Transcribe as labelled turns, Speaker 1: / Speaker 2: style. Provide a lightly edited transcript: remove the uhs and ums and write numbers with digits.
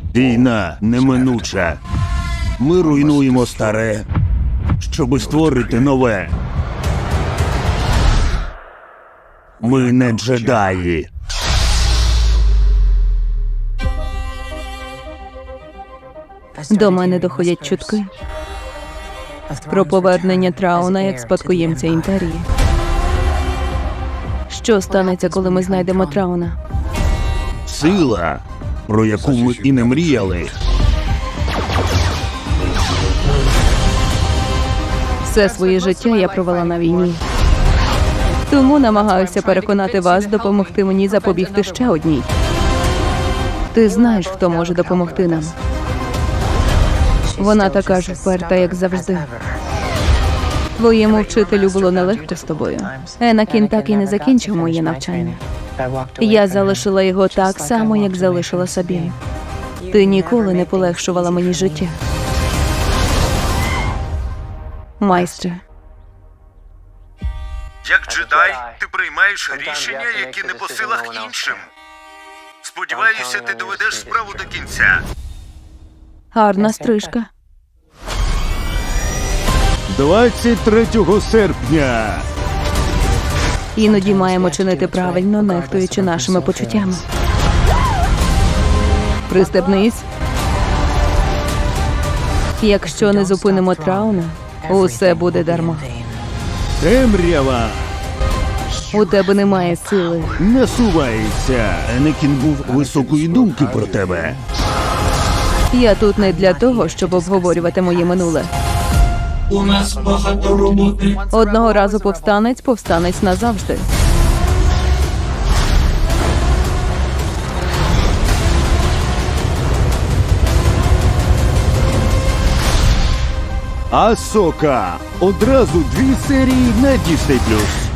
Speaker 1: Війна неминуча. Ми руйнуємо старе, щоби створити нове. Ми не джедаї.
Speaker 2: До мене доходять чутки про повернення Трауна як спадкоємця Імперії. Що станеться, коли ми знайдемо Трауна?
Speaker 1: Сила, про яку ми і не мріяли.
Speaker 2: Все своє життя я провела на війні. Тому намагаюся переконати вас допомогти мені запобігти ще одній. Ти знаєш, хто може допомогти нам. Вона така ж вперта, як завжди. Твоєму вчителю було нелегко з тобою. Енакін так і не закінчив моє навчання. Я залишила його так само, як залишила Сабін. Ти ніколи не полегшувала мені життя. Майстре.
Speaker 3: Як джедай, ти приймаєш рішення, які не по силах іншим. Сподіваюся, ти доведеш справу до кінця.
Speaker 2: Гарна стрижка.
Speaker 1: 23 серпня.
Speaker 2: Іноді маємо чинити правильно, нехтуючи нашими почуттями. Пристебнись. Якщо не зупинимо Трауна, усе буде дарма.
Speaker 1: Темрява
Speaker 2: У тебе немає сили.
Speaker 1: насувається. Енекін був високої думки про тебе.
Speaker 2: Я тут не для того, щоб обговорювати моє минуле.
Speaker 4: У нас багато роботи.
Speaker 2: Одного разу повстанець, повстанець назавжди.
Speaker 1: Асока. Одразу 2 серії на Disney+.